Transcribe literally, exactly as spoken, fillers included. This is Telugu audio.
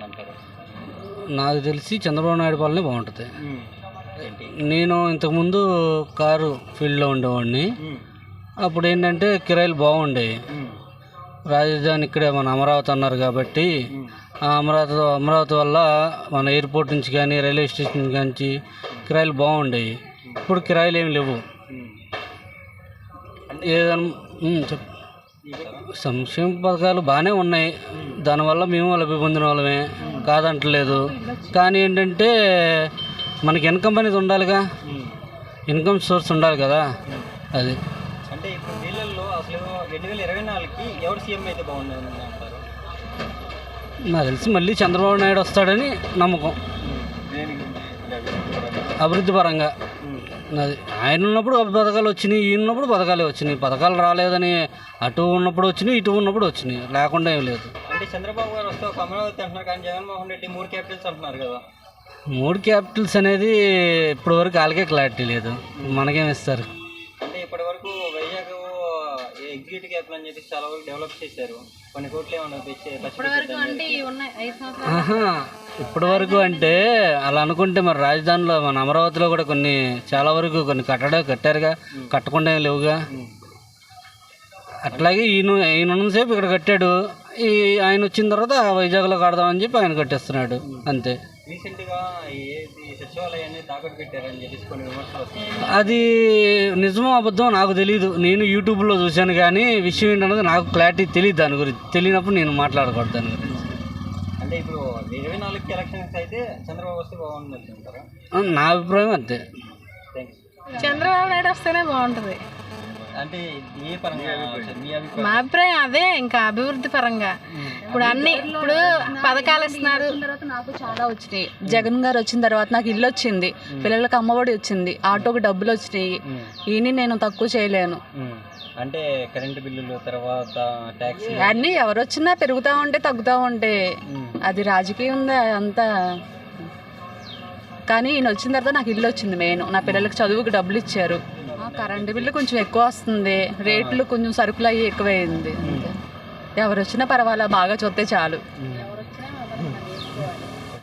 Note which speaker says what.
Speaker 1: అంటారు?
Speaker 2: నాకు తెలిసి చంద్రబాబు నాయుడు పాలనే బాగుంటుంది. నేను ఇంతకుముందు కారు ఫీల్డ్లో ఉండేవాడిని. అప్పుడు ఏంటంటే కిరాయిలు బాగుండేవి. రాజధాని ఇక్కడే మన అమరావతి అన్నారు కాబట్టి ఆ అమరావతి అమరావతి వల్ల మన ఎయిర్పోర్ట్ నుంచి కానీ రైల్వే స్టేషన్ నుంచి కిరాయిలు బాగుండేవి. ఇప్పుడు కిరాయిలు ఏమి లేవు. ఏదైనా చెప్ సంక్షేమ పథకాలు బాగానే ఉన్నాయి. దానివల్ల మేము లబ్ధి పొందిన వాళ్ళమే, కాదంటలేదు. కానీ ఏంటంటే మనకి ఇన్కమ్ అనేది ఉండాలిగా, ఇన్కమ్ సోర్స్ ఉండాలి కదా. అది
Speaker 1: అంటే ఇప్పుడు వీళ్ళల్లో అసలు రెండు వేల ఇరవై నాలుగుకి ఎవరు సీఎం అయితే బాగుంటుంది అంటారు?
Speaker 2: నాకు తెలిసి మళ్ళీ చంద్రబాబు నాయుడు వస్తాడని నమ్మకం. అభివృద్ధి పరంగా అది ఆయన ఉన్నప్పుడు పథకాలు వచ్చినాయి, ఈయన ఉన్నప్పుడు పథకాలే వచ్చినాయి. పథకాలు రాలేదని అటు ఉన్నప్పుడు వచ్చినాయి, ఇటు ఉన్నప్పుడు వచ్చినాయి, లేకుండా ఏం లేదు.
Speaker 1: అంటే చంద్రబాబు గారు వస్తే ఒక అమరావతి అంటున్నారు, కానీ జగన్మోహన్ రెడ్డి మూడు క్యాపిటల్స్ అంటున్నారు కదా.
Speaker 2: మూడు క్యాపిటల్స్ అనేది ఇప్పటి వరకు వాళ్ళకే క్లారిటీ లేదు, మనకేమి ఇస్తారు.
Speaker 1: అంటే ఇప్పటి వరకు వైజాగ్ ఎగ్జిక్యూటివ్ క్యాపిటల్ అని చెప్పి చాలా వరకు డెవలప్ చేశారు. కొన్ని కోట్లు ఏమన్నా
Speaker 2: ఇప్పటి వరకు అంటే అలా అనుకుంటే మరి రాజధానిలో మన అమరావతిలో కూడా కొన్ని చాలా వరకు కొన్ని కట్టడా కట్టారుగా, కట్టకుండా ఏం లేవుగా. అట్లాగే ఈయన ఈయన ఉన్నసేపు ఇక్కడ కట్టాడు, ఈ ఆయన వచ్చిన తర్వాత వైజాగ్లో కడదామని చెప్పి ఆయన కట్టేస్తున్నాడు అంతే.
Speaker 1: రీసెంట్గా సచివాలయాన్ని తాకట్టు పెట్టారని చెప్పేసి కొన్ని విమర్శలు వస్తున్నాయి.
Speaker 2: అది నిజమో అబద్ధం నాకు తెలియదు. నేను యూట్యూబ్లో చూశాను కానీ విషయం ఏంటన్నది నాకు క్లారిటీ తెలియదు. దాని గురించి తెలియనప్పుడు నేను మాట్లాడకూడదు దాని గురించి.
Speaker 1: అంటే ఇప్పుడు ఇరవై నాలుగుకి ఎలక్షన్స్ అయితే చంద్రబాబు వస్తే బాగుంటుంది అంటారా?
Speaker 2: నా అభిప్రాయం అంతే.
Speaker 3: చంద్రబాబు నాయుడు వస్తేనే బాగుంటుంది.
Speaker 1: అంటే ఏ పరంగా మీ అభిప్రాయం?
Speaker 3: మా అభిప్రాయం అదే, ఇంకా అభివృద్ధి పరంగా. ఇప్పుడు అన్ని ఇప్పుడు పథకాలు ఇస్తున్నారు.
Speaker 4: తర్వాత నాకు చాలా వచ్చినాయి. జగన్ గారు వచ్చిన తర్వాత నాకు ఇల్లు వచ్చింది, పిల్లలకు అమ్మఒడి వచ్చింది, ఆటోకి డబ్బులు వచ్చినాయి. ఈయన నేను తక్కువ చేయలేను.
Speaker 1: అంటే కరెంటు బిల్లులు తర్వాత ట్యాక్స్
Speaker 4: అన్నీ ఎవరు వచ్చినా పెరుగుతూ ఉంటే తగ్గుతూ ఉంటే అది రాజకీయం ఉందా అంతా. కానీ ఈయన వచ్చిన తర్వాత నాకు ఇల్లు వచ్చింది, మెయిన్ నా పిల్లలకి చదువుకి డబ్బులు ఇచ్చారు. కరెంటు బిల్లు కొంచెం ఎక్కువ వస్తుంది, రేట్లు కొంచెం సరుకులు అయ్యి ఎక్కువైంది. ఎవరు వచ్చినా పర్వాలా, బాగా చూస్తే చాలు.